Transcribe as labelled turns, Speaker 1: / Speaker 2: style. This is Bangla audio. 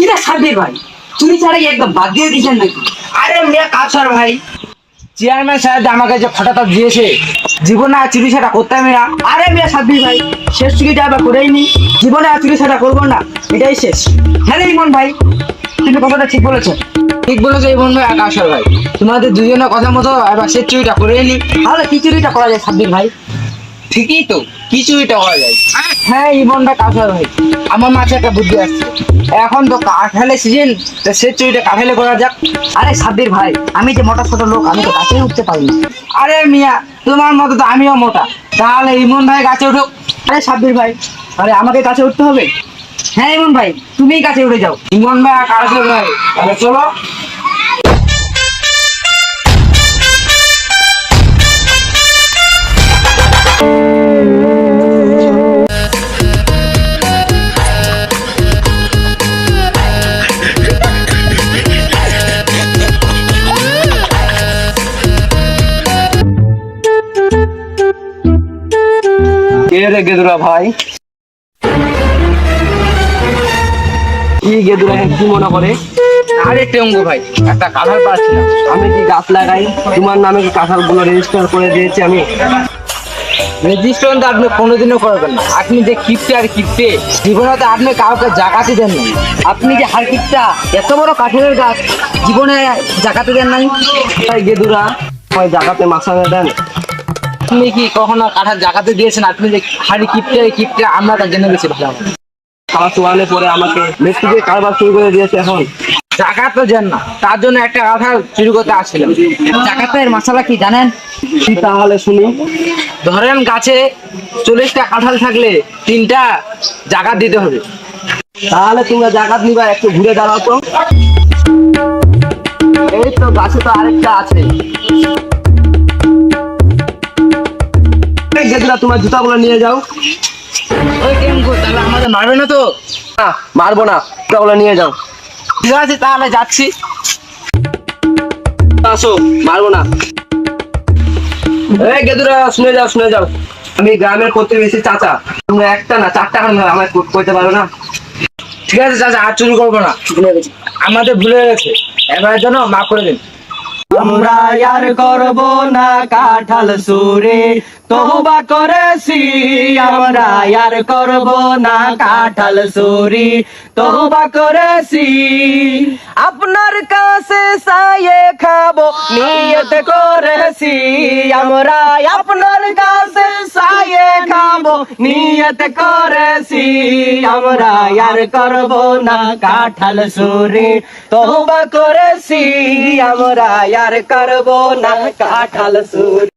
Speaker 1: কিরা সাব্বির ভাই, চুরি ছাড়া কি একদম বাদ দিয়ে দিয়েছেন নাকি?
Speaker 2: আরে মিয়া কাছার ভাই, চেয়ারম্যান সাহেব আমাকে যে খাতাটা দিয়েছে, জীবনে আর চুরি ছাড়া করতে হবে না।
Speaker 1: আরে মিয়া সাব্বির ভাই, শেষ চুরিটা আবার করেই নি, জীবনে আর চুরি ছাড়া করবো না, এটাই শেষ। হ্যাঁ রে ইমন ভাই, তুমি কথাটা ঠিক বলেছো।
Speaker 2: ঠিক বলেছো এই বন্ধু আকাশর ভাই, তোমাদের দুজনের কথা মতো এবার শেষ চুরিটা করে নি।
Speaker 1: তাহলে কি চুরিটা করা যায় সাব্বির ভাই?
Speaker 2: ঠিকই তো, কি চুরিটা করা যায়? হ্যাঁ ইমনটা কাছার ভাই, আমার মাঝে একটা বুদ্ধি আসছে। এখন তো কাঁঠালের সিজন, শেষ চুরিটা কাঁঠালে করা যাক।
Speaker 1: আরে সাব্বির ভাই, আমি যে মোটা ছোট লোক, আমি তো গাছেই উঠতে পারি না।
Speaker 2: আরে মিয়া, তোমার মতো তো আমিও মোটা, তাহলে ইমন ভাই গাছে উঠুক।
Speaker 1: আরে সাব্বির ভাই, আরে আমাকে কাছে উঠতে হবে? হ্যাঁ ইমন ভাই, তুমিই কাছে উঠে যাও।
Speaker 2: ইমন ভাই আর কাছার ভাই, তাহলে চলো। কে রে গেদুরা ভাই? কি গেদুরা কি মনে করে? আরে টেঙ্গু ভাই, একটা কাঁঠাল পাচ্ছিলাম, আমি কি গাছ লাগাই, তোমার নামে কি কাঁঠাল গুলো রেজিস্টার করে দিয়েছি আমি। রেজিস্ট্রেশন তো আপনি কোনোদিনও করবেন না, আপনি যে কিপটে আর কিপটে, জীবনে তো আপনি কাউকে জাগাতে দেন না।
Speaker 1: আপনি যে হারকিটটা, এত বড় কাঠের গাছ, জীবনে জাগাতে দেন নাই?
Speaker 2: তাই গেদুরা ওই জাগাতে মাসানে দেন। আপনি কি কখনো কাঁঠাল জাগাতে দিয়েছেন? আপনি যে হাড়ি কিপটে কিপটে, আমরা তা জেনে গেছি ভালো। ক্লাস ওয়ানে পরে আমাকে মেট্রিকে কারবার শুরু করে দিয়েছে। এখন জাগাত তো দেন না, তার জন্য একটা কাঁঠাল চুরি করতে আসছিলাম।
Speaker 1: জাগাতের মশলা কি জানেন?
Speaker 2: কি তাহলে শুনি। ধরেন গাছে 40টা কাঁঠাল থাকলে 3টা জাগাত দিতে হবে। তাহলে তোমরা জাগাত নিবা, একটু ঘুরে দাঁড়াও তো। এই তো গাছে তো আরেকটা আছে। যেগুলা তোমার জুতাগুলো নিয়ে যাও। ওই টেঙ্গু, তাহলে আমাদের মারবে না তো? না মারবো না, জুতাগুলো নিয়ে যাও। ঠিক আছে তাহলে যাচ্ছি। আসো, মারবো না। এই গেদুরা শুনে যাও, শুনে যাও, আমি গ্রামের প্রতিবেশী চাচা, তোমরা একটা না 4টা আমায় কইতে পারো না। ঠিক আছে চাচা, আর চুরি করবো না, আমাদের ভুলে গেছে, এবার জন্য মাফ করে দিন।
Speaker 3: আমরা আর করব না কাঁঠাল চুরি, তওবা করেছি। আমরা আর করব না কাঁঠাল চুরি, তওবা করেছি। আপনার কাছে চাইয়ে খাবো নিয়ত করেছি। আমরা আপনার কাছে চাইয়ে খাবো নিয়ত করেছি। আমরা আর করব না কাঁঠাল চুরি, তওবা করেছি। আমরা আর করব না কাঁঠাল চুরি।